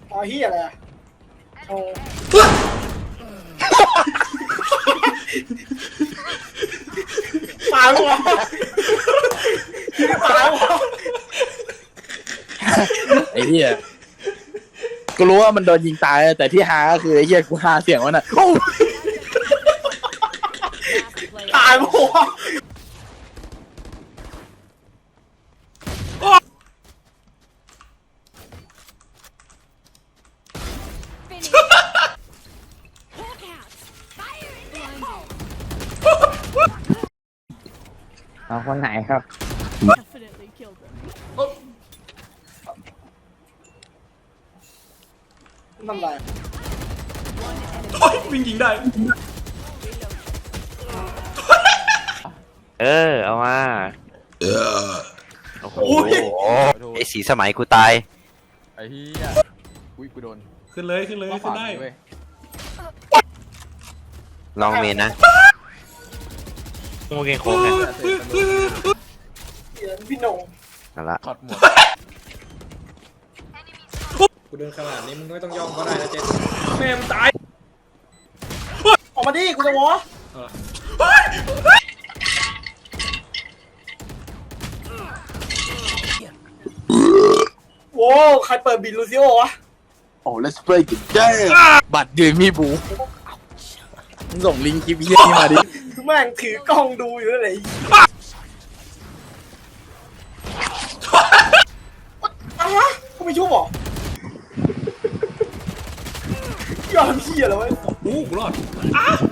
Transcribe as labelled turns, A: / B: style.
A: อ๋อเฮียอะไรอะโอ้ตายหัวตายหัว
B: ไอ้เหี้ยกูรู้ว่ามันโดนยิงตายแต่ที่ฮาก็คือไอ้เหี้ยกูฮาเสียงมันอ่ะโอ้
A: ตายหัว
C: เอาคนไหนครับ
D: Definitely killed them.
A: นั่นไร
E: โอ้ยวิ่งยิงได้
F: เอามาโอ้โห
G: ไอ้สีสมัยกูตาย
B: ไอ้เหี้ยอุ้ยกูโดน
E: ขึ้นเลยขึ้นเลยขึ้นได้
B: เว้ย
G: ลองเมนนะ
F: โมเกงโค้งเนี่ย
A: พี่หนง
G: นั่นละ
B: ถอดหมวก
E: กูเดินขนาดนี้มึงไม่ต้องย่องก็ได้นะเจ๊แม่มึงตาย
A: ออกมาดิกูจะวอโว้ใครเปิดบินลูซิโอวะ
B: โอ้ let's break it down บัตรยืนมีบูมึงส่งลิงก์คลิปเหี้ยนี่มาดิ
A: แม่งถือกล้องดูอยู่นั่นแหละอะไรวะเขาไม่ชุบหรอยอดเฮียแล้วเว้ย
E: กูรอด